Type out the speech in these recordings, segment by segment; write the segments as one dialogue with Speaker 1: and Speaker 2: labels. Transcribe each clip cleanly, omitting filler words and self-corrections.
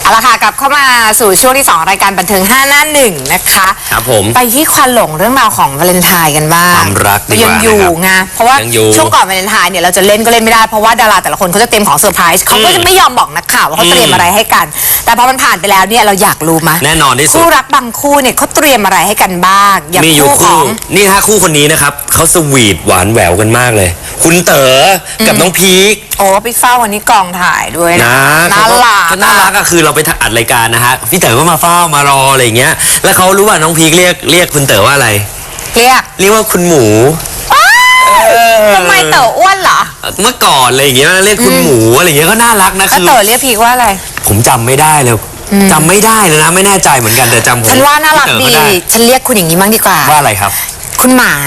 Speaker 1: เอาละค่ะกลับเข้ามาสู่ช่วงที่2รายการบันเทิง5หน้า1นะคะ
Speaker 2: ครับผม
Speaker 1: ไปที่ควันหลงเรื่องราวของวาเลนไทน์กันบ้าง
Speaker 2: ความรักดีกว่า
Speaker 1: ยังอยู่ไงเพราะว่า
Speaker 2: อยู่
Speaker 1: ช่วงก่อนวาเลนไทน์เนี่ยเราจะเล่นก็เล่นไม่ได้เพราะว่าดาราแต่ละคนเขาจะเตรียมของเซอร์ไพรส์เขาก็จะไม่ยอมบอกนักข่าวว่าเขาเตรียมอะไรให้กันแต่พอมันผ่านไปแล้วเนี่ยเราอยากรู้มั้ย
Speaker 2: แน่นอนที่สุด
Speaker 1: คู่รักบางคู่เนี่ยเขาเตรียมอะไรให้กันบ้างอย่างคู่ของ
Speaker 2: นี่ฮะคู่คนนี้นะครับเขาสวีทหวานแหววกันมากเลยคุณเต๋อกับน้องพีค
Speaker 1: โอ้ไปเฝ้าวันนี้กองถ่ายด้วยนะน่ารัก
Speaker 2: น่ารักก็คือเราไปอัดรายการนะฮะพี่เต๋อก็มาเฝ้ามารออะไรอย่างเงี้ยแล้วเขารู้ว่าน้องพีคเรียกคุณเต๋อว่าอะไร
Speaker 1: เรียก
Speaker 2: ว่าคุณหมู
Speaker 1: ทำไมเต๋ออ้วนเหรอ
Speaker 2: เมื่อก่อนอะไรอย่างเงี้ยเรียกคุณหมูอะไรอย่างเงี้ยก็น่ารักนะ
Speaker 1: คือเต๋อเรียกพีคว่าอะไร
Speaker 2: ผมจำไม่ได้เลยจำไม่ได้เลยนะไม่แน่ใจเหมือนกันแต่จำผม
Speaker 1: ฉันว่าน่ารักดีฉันเรียกคุณอย่างนี้มั่งดีกว่า
Speaker 2: ว่าอะไรครับ
Speaker 1: คุณหมา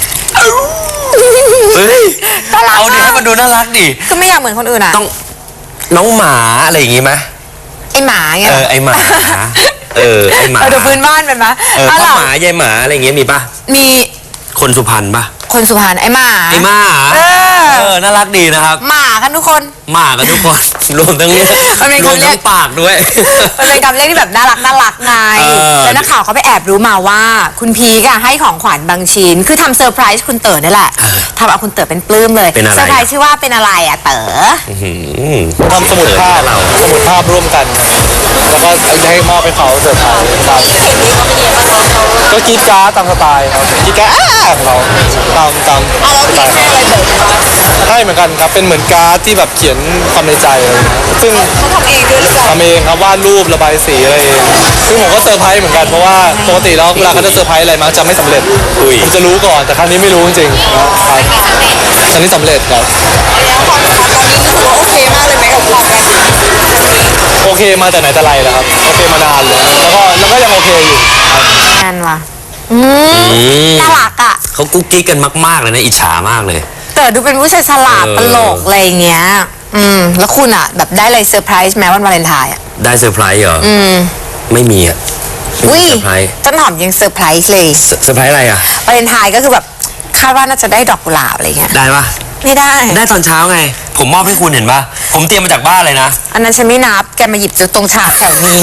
Speaker 2: เฮ้ยเอาดิให้มันดูน่ารักดิ
Speaker 1: ก็ไม่อยากเหมือนคนอื่นอ่ะ
Speaker 2: ต้องน้องหมาอะไรอย่างงี้ไหม
Speaker 1: ไอหมาไง
Speaker 2: ไอหมาไอหมา
Speaker 1: ดูพื้นบ้านเป็นไหม
Speaker 2: พ่อหมายายหมาอะไรอย่างเงี้ยมีปะ
Speaker 1: มี
Speaker 2: คนสุพรรณปะ
Speaker 1: คนสุพรรณไอหมา
Speaker 2: น่ารักดีนะครับ
Speaker 1: หมากันทุกคน
Speaker 2: หมากันทุกคนรวมทั้งปากด้วย
Speaker 1: มันเป็นคำเรียกที่แบบน่ารักไงแล้วนักข่าวเขาไปแอบรู้มาว่าคุณพีกให้ของขวัญบางชิ้นคือทำเซอร์ไพรส์คุณเต๋อนี่แหละทำเอาคุณเต๋อเป็นปลื้มเลยเซอร์ไพรส์ชื่อว่าเป็นอะไรอ่ะเต๋อ
Speaker 3: ทำสมุดภาพร่วมกันแล้วก็ให้มอบให้เขาเซอร์ไพรส์ก็กีดการ์ดตามสไตล์ครับกีดการ์ดของเราตามสไตล์ให้เหมือนกันครับเป็นเหมือนการ์ดที่แบบเขียนความในใจอะไรซึ่ง
Speaker 1: เขาทำเองด้วยหรือเปล่า
Speaker 3: ทำเองครับวาดรูประบายสีอะไรเองซึ่งผมก็เซอร์ไพรส์เหมือนกันเพราะว่าปกติแล้วเวลาเขาจะเซอร์ไพรส์อะไรมักจะไม่สำเร็จผมจะรู้ก่อนแต่ครั้งนี้ไม่รู้จริงๆครับครั้งนี้สำเร็จครับโอเคมาแต่ไหนแต่ไรแล้วครับโอเคมานานเลยแล้วก็ยังโอเคอยู่
Speaker 1: นานว่ะน่ารักอ่ะ
Speaker 2: เขากุ๊กกิ๊กกันมากๆเลยนะอิจฉามากเลย
Speaker 1: แต่ดูเป็นผู้ชายฉลาดตลกอะไรเงี้ยแล้วคุณอ่ะแบบได้อะไรเซอร์ไพรส์แม้วันวาเลนไทน์อ่ะ
Speaker 2: ได้เซอร์ไพรส์เหรอไม่มีอ่ะ
Speaker 1: วิต้นหอมยังเซอร์ไพรส์เลย
Speaker 2: เซอร์ไพรส์อะไรอ่ะ
Speaker 1: วาเลนไทน์ก็คือแบบคาดว่าน่าจะได้ดอกกุหลาบอะไรเงี้ย
Speaker 2: ได้ปะ
Speaker 1: ไม่ได้
Speaker 2: ตอนเช้าไงผมมอบให้คุณเห็นปะผมเตรียมมาจากบ้านเลยนะ
Speaker 1: อันนั้นฉันไม่นับแกมาหยิบจากตรงฉากแถวนี้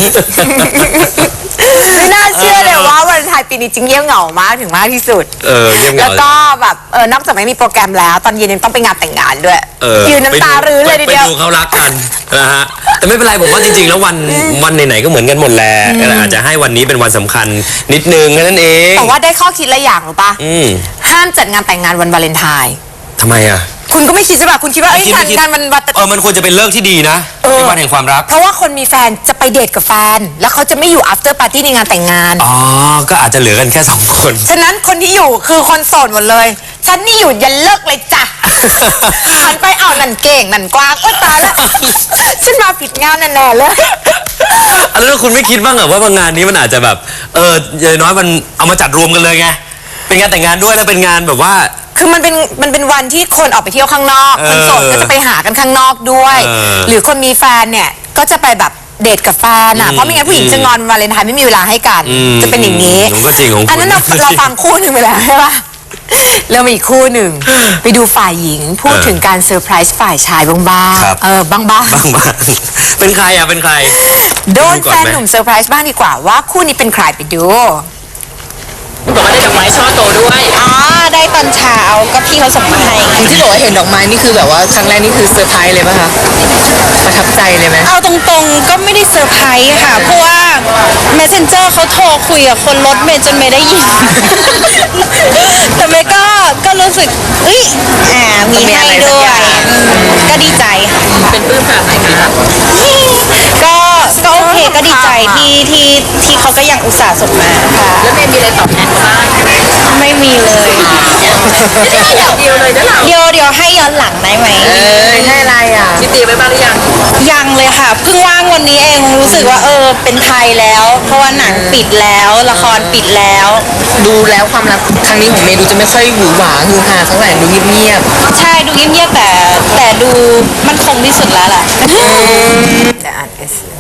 Speaker 1: ไม่น่าเชื่อเลยว่าวันไทยปีนี้จริงเงียบเหงามากถึงมากที่สุด
Speaker 2: เงียบเหงา
Speaker 1: แล้วก็แบบนอกจากไม่มีโปรแกรมแล้วตอนเย็นยังต้องไปงานแต่งงานด้วยยืนน้ำตารื้อเลยทีเดียว
Speaker 2: ไปดูเขารักกันนะฮะแต่ไม่เป็นไรผมว่าจริงๆแล้ววันไหนๆก็เหมือนกันหมดแหละอาจจะให้วันนี้เป็นวันสำคัญนิดนึงแค่นั้นเอง
Speaker 1: แต่ว่าได้ข้อคิดละอย่างหรือปะห้ามจัดงานแต่งงานวันวาเลนไทน์
Speaker 2: ทำไมอ่ะ
Speaker 1: คุณก็ไม่คิดใช่ป่ะคุณคิดว่างานมัน
Speaker 2: มันควรจะเป็นเลิกที่ดีนะเป็นวันแห่งความรัก
Speaker 1: เพราะว่าคนมีแฟนจะไปเดทกับแฟนแล้วเขาจะไม่อยู่ after party ในงานแต่งงาน
Speaker 2: ก็อาจจะเหลือกันแค่2คน
Speaker 1: ฉะนั้นคนที่อยู่คือคนโสดหมดเลยฉันนี่อยู่ยันเลิกเลยจ้ะหันไปเอานั่นเก่งนั่นกว้างโอ๊ยตายแล้วฉันมาผิดงานแน่ๆเลย
Speaker 2: แล้วคุณไม่คิดบ้างเหรอว่าบางงานนี้มันอาจจะแบบอย่างน้อยมันเอามาจัดรวมกันเลยไงเป็นงานแต่งงานด้วยแล้วเป็นงานแบบว่า
Speaker 1: คือมันเป็นวันที่คนออกไปเที่ยวข้างนอกคนโสดก็จะไปหากันข้างนอกด้วยหรือคนมีแฟนเนี่ยก็จะไปแบบเดทกับแฟนอ่ะเพราะไม่งั้นผู้หญิงจะงอนวาเลนไทน์ไม่มีเวลาให้กันจะเป็นอย่างนี้
Speaker 2: ก็จริงของคุณ
Speaker 1: อันนั้นเราฟังคู่หนึ่งไปแล้วใช่ปะแล้วมีอีกคู่หนึ่งไปดูฝ่ายหญิงพูดถึงการเซอร์ไพรส์ฝ่ายชายบ้างบ้าง
Speaker 2: เป็นใครอ่ะเป็นใคร
Speaker 1: โดนแฟนหนุ่มเซอร์ไพรส์บ้างดีกว่าว่าคู่นี้เป็นใครไปดู
Speaker 4: บอกว่าได้ดอกไม้ช่อโตด้วย
Speaker 1: ได้ตอนเช้าก็พี่เขาส่งมาให้
Speaker 4: ที่บอกว่าเห็นดอกไม้นี่คือแบบว่าครั้งแรกนี่คือเซอร์ไพรส์เลยป่ะคะประทับใจเลยไหม
Speaker 1: เอาตรงๆก็ไม่ได้เซอร์ไพรส์ค่ะเพราะว่า Messenger เขาโทรคุยกับคนรถเมย์จนเมย์ได้ยินแต่เมย์ก็รู้สึกมีให้ด้วยก็ดีใจค่ะ
Speaker 4: เป็นปลื้มขนาดไหนคะ
Speaker 1: ก็โอเคก็ดีใจที่เขาก็ยังอุตส่าห์ส่งมาค่ะ
Speaker 4: แล้วเมย์มีอะไรตอบแทนบ้าง
Speaker 1: ไม่มีเลย
Speaker 4: เดียวเลยนะเรา
Speaker 1: เดี๋ยวให้ย้อนหลังได้ไหม
Speaker 4: ให้อะไรอ่ะมีเตรียมไว้บ้างหรือ
Speaker 1: ยังเลยค่ะเพิ่งว่างวันนี้เองรู้สึกว่าเป็นไทยแล้วเพราะว่าหนังปิดแล้วละครปิดแล้ว
Speaker 4: ดูแล้วความรักครั้งนี้ของเมย์ดูจะไม่ค่อยหวือหวาฮือฮาเท่าไหร่ดูเงียบ
Speaker 1: ๆใช่ดูเงียบๆแต่ดูมั่นคงที่สุดแล้วล่ะจะอ่าน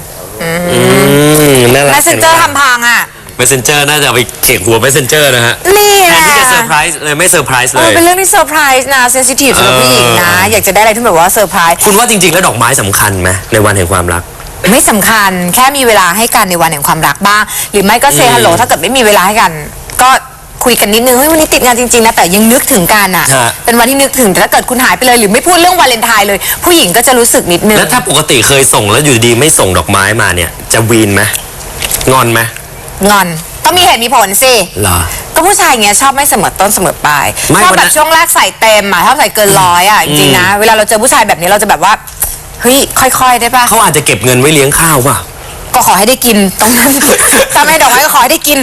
Speaker 1: Messenger ทำพังอ่ะ
Speaker 2: Messenger น่าจะไปเขกหัว Messenger นะฮะ
Speaker 1: นี่แหละ
Speaker 2: ที่จะเซอร์ไพรส์เลยไม่เซอร์ไพรส์เลย
Speaker 1: เป็นเรื่องที่เซอร์ไพรส์นะเซนซิทีฟสำหรับผู้หญิงนะอยากจะได้อะไรที่แบบว่าเซอร์ไพรส์
Speaker 2: คุณว่าจริงๆแล้วดอกไม้สำคัญไหมในวันแห่งความรัก
Speaker 5: ไม่สำคัญแค่มีเวลาให้กันในวันแห่งความรักบ้าง หรือไม่ก็เซฮัลโหลถ้าเกิดไม่มีเวลาให้กัน ก็คุยกันนิดนึงเฮ้ยวันนี้ติดงานจริงๆนะแต่ยังนึกถึงกันอ่ะ
Speaker 2: ฮะ
Speaker 5: เป็นวันที่นึกถึงแต่ถ้าเกิดคุณหายไปเลยหรือไม่พูดเรื่องวาเลนไทน์เลย ผู้หญิงก็จะรู้สึกนิดนึง
Speaker 2: แล้วถ้าปกติเคยส่งแล้วอยู่ดีๆไม่ส่งดอกไม้มาเนี่ย จะวีนไหมงอนไหม
Speaker 5: งอนต้องมีเหตุมีผลสิ
Speaker 2: เหรอ
Speaker 5: ก็ผู้ชายอย่างเงี้ยชอบไม่เสมอต้นเสมอปลาย
Speaker 2: ไม่
Speaker 5: ชอบ
Speaker 2: วัน
Speaker 5: แบ
Speaker 2: นั้
Speaker 5: บ
Speaker 2: น
Speaker 5: ช่วงแรกใส่เต็มอ่ะชอบใส่เกินร้อยอ่ะจริงๆนะเวลาเราเจอผู้ชายแบบนี้เราจะแบบว่าเฮ้ยค่อยๆได้ปะ
Speaker 2: เขาอาจจะเก็บเงินไว้เลี้ยงข้าวป่ะ
Speaker 5: ก็ขอให้ได้กินตรงนั้น ถ้าไม่ดอกไม้ก็ขอให้ได้กิน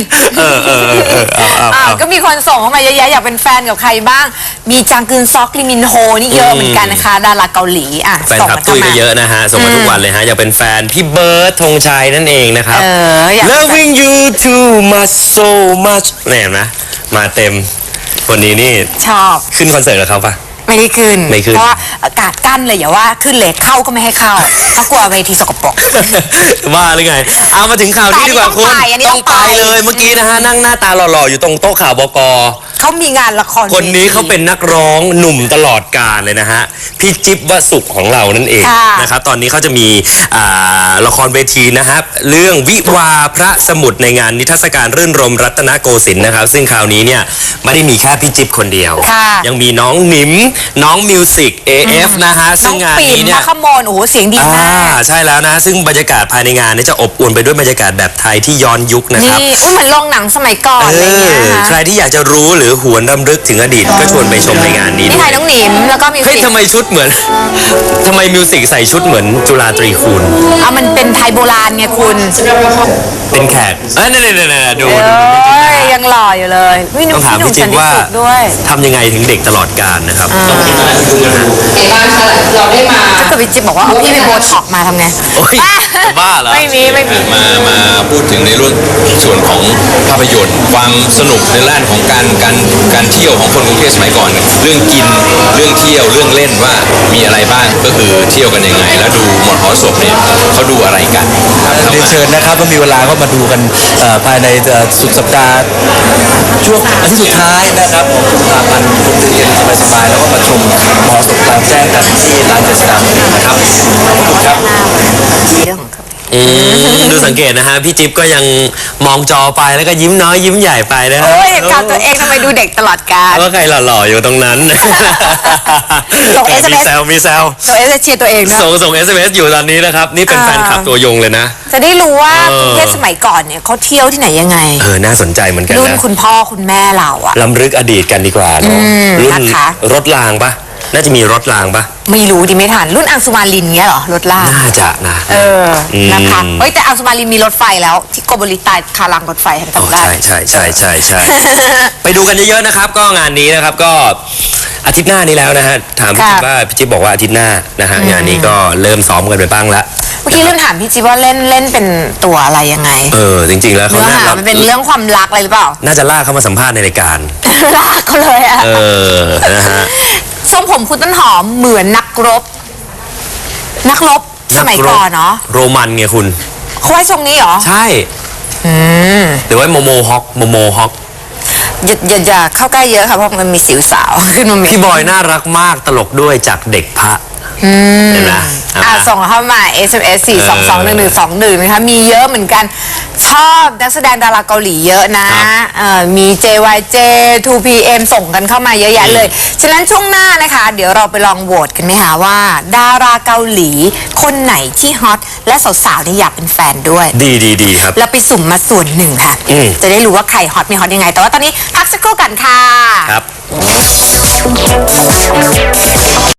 Speaker 5: ก็มีคนส่งเข้ามาเยอะแยะอยากเป็นแฟนกับใครบ้าง มีจางกึนซอกลิมินโฮนี่เยอะเหมือนกันนะคะ ดาราเกาหลีอ่ะ
Speaker 2: แฟน
Speaker 5: ส่ง
Speaker 2: คลับ
Speaker 5: มา
Speaker 2: ตุ้ย
Speaker 5: เข้า
Speaker 2: ก็
Speaker 5: มา
Speaker 2: เยอะนะฮะ ส่งมาทุกวันเลยฮะ อยากเป็นแฟนพี่เบิร์ดธงชัยนั่นเองนะครับ
Speaker 5: อยาก
Speaker 2: Loving you too much so much เนี่ยเห็นไหมมาเต็มคนนี้นี่
Speaker 5: ชอบ
Speaker 2: ขึ้นคอนเสิร์ตกับเขาปะ
Speaker 5: ไม่ได้ขึ้น
Speaker 2: ไม่ขึ้น
Speaker 5: เพราะว่าอากาศกั้นเลยอย่าว่าขึ้นเลยเข้าก็ไม่ให้เข้าเพราะกลัวเวทีสกปรก
Speaker 2: ว่าหรือไง เอามาถึงข่าวนี้ดีกว่าคุณ
Speaker 5: อันนี้ต้องไป
Speaker 2: เลยเมื่อกี้นะฮะ นั่งหน้าตาหล่อๆ อยู่ตรงโต๊ะข่าวบก
Speaker 5: เขามีงานละคร
Speaker 2: คนนี้
Speaker 5: วที
Speaker 2: เขาเป็นนักร้องหนุ่มตลอดกาลเลยนะฮะ พี่จิ๊บวสุขของเรานั่นเอง
Speaker 5: ค่ะ
Speaker 2: นะครับ ตอนนี้เขาจะมีละครเวทีนะครับ เรื่องวิวาพระสมุทรในงานนิทรรศการรื่นรมรัตนโกสินทร์นะครับ ซึ่งคราวนี้เนี่ยไม่ได้มีแค่พี่จิ๊บคนเดียว
Speaker 5: ค่ะ
Speaker 2: ยังมีน้องหนิม น้องมิวสิก AF นะฮะ
Speaker 5: น้
Speaker 2: ซึ่
Speaker 5: อง
Speaker 2: งงาน
Speaker 5: ปิ่น
Speaker 2: นี้เนี่
Speaker 5: นั
Speaker 2: ย
Speaker 5: กขโมยโอ้โหเสียงดีมาก
Speaker 2: ใช่แล้วนะ ซึ่งบรรยากาศภายในงานนี้จะอบอวลไปด้วยบรรยากาศแบบไทยที่ย้อนยุคนะครับ
Speaker 5: นี่อุ้ยเหมือนโรงหนังสมัยก่อนอะไรเงี้ยนะคะ
Speaker 2: ใครที่อยากจะรู้หรือหวนรำลึกถึงอดีตก็ชวนไปชมในงานนี้
Speaker 5: นี่
Speaker 2: ด้
Speaker 5: ไท
Speaker 2: วย
Speaker 5: ยน้องหนิมแล้วก็มิว
Speaker 2: เฮ้ย
Speaker 5: สิก
Speaker 2: ทำไมชุดเหมือน ทำไมมิวสิกใส่ชุดเหมือนจุฬาตรีคูณ
Speaker 5: เอามันเป็นไทยโบราณไงคุณ
Speaker 2: เป็นแขกนี่ดู
Speaker 5: โอ้ยยังหล่ออยู่เลยวิ
Speaker 2: ต้องถาม
Speaker 5: หนุ่
Speaker 2: พี่จิ๊บ
Speaker 5: สันติ
Speaker 2: ว่า
Speaker 5: สุขด้วย
Speaker 2: ทำยังไงถึงเด็กตลอดกาลนะครับต้องดูนะฮะ
Speaker 5: ถ้าเกิดพี่จิ๊บบอกว่าเอาพี่ไปโบท็อกมาทำไง
Speaker 2: โอ้ยจะบ้าเหรอ
Speaker 5: ไม่มี
Speaker 6: มาพูดถึงในรุ่นส่วนของภาพยนตร์ความสนุกในด้านของการเที่ยวของคนกรุงเทพสมัยก่อน เรื่องกินเรื่องเที่ยวเรื่องเล่นว่ามีอะไรบ้างก็คือเที่ยวกันยังไง แล้วดูมหรสพเนี่ยเขาดูอะไรกันครับ
Speaker 3: เรียนเชิญนะครับถ้ามีเวลาก็มาดูกันภายในสุดสัปดาห์ช่วงอาทิตย์สุดท้ายนะครับของกุมภาพันธ์คนจะเรียนสบายๆแล้วก็มาชมมหรสพกลางแจ้งกันที่ลานเจษฎาบดินทร์นะครับขอบคุณครับ
Speaker 5: เรื่องของเขา
Speaker 2: ดูสังเกตนะฮะ พี่จิ๊บก็ยังมองจอไปแล้วก็ยิ้มน้อยยิ้มใหญ่ไปนะฮะ
Speaker 5: โอ้ยเห็นข่าวตัวเองทำไมดูเด็กตลอดกาล
Speaker 2: ว่าใครหล่อๆอยู่ตรงนั้น
Speaker 5: ส่ง
Speaker 2: มี
Speaker 5: SMS
Speaker 2: แซวมีแซว
Speaker 5: ตัวเองจะเชียร์ตัวเองนะ
Speaker 2: ส่ง SMS อยู่ตอนนี้นะครับ นี่เป็นแฟนคลับตัวยงเลยนะ
Speaker 5: จะได้รู้ว่า
Speaker 2: เออ
Speaker 5: กรุงเทพสมัยก่อนเนี่ยเขาเที่ยวที่ไหนยังไง
Speaker 2: น่าสนใจเหมือนกัน
Speaker 5: รุ่น
Speaker 2: นะ
Speaker 5: คุณพ่อคุณแม่เราอะ
Speaker 2: ล้ำลึกอดีตกันดีกว่าเนอะรุ่น
Speaker 5: นะคะ
Speaker 2: รถรางปะน่าจะมีรถรางปะ
Speaker 5: ไม่รู้ดิไม่ทันรุ่นอังสุมาลินเงี้ยเหรอรถลาก
Speaker 2: น่าจะนะ
Speaker 5: นะคะเฮ้ยแต่อังสุมาลินมีรถไฟแล้วที่โกโบริตายคารางรถไฟเห็น
Speaker 2: โอ้
Speaker 5: จำได้
Speaker 2: ใช่ ไปดูกันเยอะๆนะครับ ก็งานนี้นะครับก็อาทิตย์หน้านี้แล้วนะฮะถามพี่จิ๊บว่าพี่จิ๊บบอกว่าอาทิตย์หน้านะฮะงานนี้ก็เริ่มซ้อมกันไปบ้างละ
Speaker 5: เมื่อกี้ลืมถามพี่จิ๊บว่าเล่นเป็นตัวอะไรยังไง
Speaker 2: จริงๆแล้วเขา
Speaker 5: เนื้อ
Speaker 2: น่า
Speaker 5: หามันเป็นเรื่องความรักอะไรหรือเปล่า
Speaker 2: น่าจะลากเข้ามาสัมภาษณ์ในรายการ
Speaker 5: ลากเขาเลยอะ
Speaker 2: นะฮะ
Speaker 5: ทรงผมคุณต้นหอมเหมือนนักรบสมัยก่อนเนาะ
Speaker 2: โรมันไงคุณ
Speaker 5: เขาไว้ทรงนี้เหรอ
Speaker 2: ใช่หรือว่าโมโมฮอก
Speaker 5: อย่าเข้าใกล้เยอะค่ะเพราะมันมีสิวสาวขึ้นมา
Speaker 2: พี่บอยน่ารักมากตลกด้วยจากเด็กพระเห็นไหม
Speaker 5: ส่งเข้ามา SMS 4221121นะคะมีเยอะเหมือนกันชอบนักแสดงดาราเกาหลีเยอะนะมี JYJ 2PM ส่งกันเข้ามาเยอะแยะเลย ฉะนั้นช่วงหน้านะคะ เดี๋ยวเราไปลองโหวตกันไหมคะว่า ดาราเกาหลีคนไหนที่ฮอตและสาวๆนี่อยากเป็นแฟนด้วย
Speaker 2: ดีครับ
Speaker 5: เราไปสุ่มมาส่วนหนึ่งค่ะ จะได้รู้ว่าใครฮอตไม่ฮอตยังไง แต่ว่าตอนนี้พักสักครู่กันค่ะ
Speaker 2: ครับ